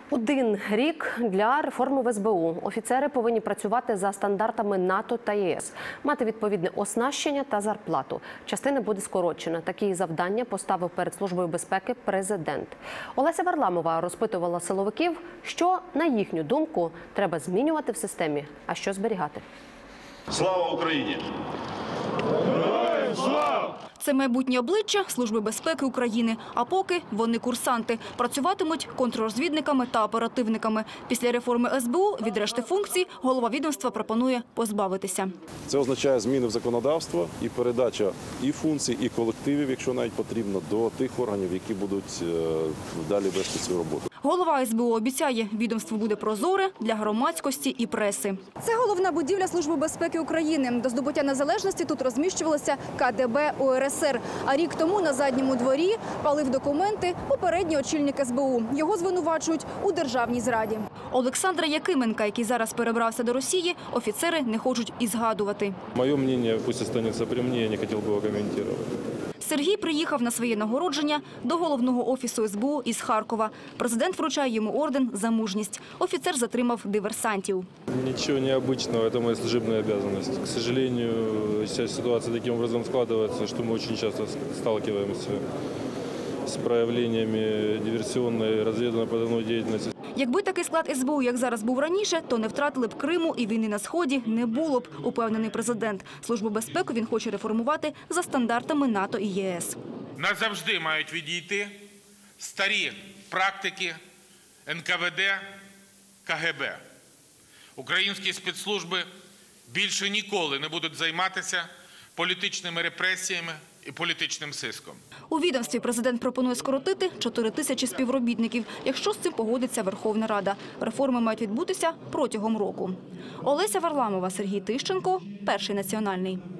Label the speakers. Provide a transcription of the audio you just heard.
Speaker 1: Один рік для реформи в СБУ. Офіцери повинні працювати за стандартами НАТО та ЄС, мати відповідне оснащення та зарплату. Частина буде скорочена. Такі завдання поставив перед Службою безпеки президент. Олеся Варламова розпитувала силовиків, що, на їхню думку, треба змінювати в системі, а що зберігати.
Speaker 2: Слава Україні!
Speaker 3: Це майбутнє обличчя Служби безпеки України. А поки вони курсанти. Працюватимуть контррозвідниками та оперативниками. Після реформи СБУ від решти функцій голова відомства пропонує позбавитися.
Speaker 4: Це означає зміни в законодавство і передача і функцій, і колективів, якщо навіть потрібно, до тих органів, які будуть далі вести цю роботу.
Speaker 3: Голова СБУ обіцяє, відомство буде прозоре для громадськості і преси.
Speaker 5: Це головна будівля Служби безпеки України. До здобуття незалежності тут розміщувалося КДБ УРСР. А рік тому на задньому дворі палив документи попередній очільник СБУ. Його звинувачують у державній зраді.
Speaker 3: Олександра Якименка, який зараз перебрався до Росії, офіцери не хочуть і згадувати.
Speaker 6: Моє мнение пусть останется при мне, я не хотел бы его комментировать.
Speaker 3: Сергій приїхав на своє нагородження до головного офісу СБУ із Харкова. Президент вручає йому орден за мужність. Офіцер затримав диверсантів.
Speaker 6: Ничего необычного, это моя служебная обязанность. К сожалению, вся ситуация таким образом складывается, что мы очень часто сталкиваемся с проявлениями диверсионной, разведывательно-подрывной деятельности.
Speaker 3: Якби такий склад СБУ, як зараз був раніше, то не втратили б Криму і війни на Сході не було б, упевнений президент. Службу безпеки він хоче реформувати за стандартами НАТО і ЄС.
Speaker 7: Назавжди мають відійти старі практики НКВД, КГБ. Українські спецслужби більше ніколи не будуть займатися політичними репресіями і політичним сиском.
Speaker 3: У відомстві президент пропонує скоротити 4 тисячі співробітників, якщо з цим погодиться Верховна Рада. Реформи мають відбутися протягом року. Олеся Варламова, Сергій Тищенко, Перший національний.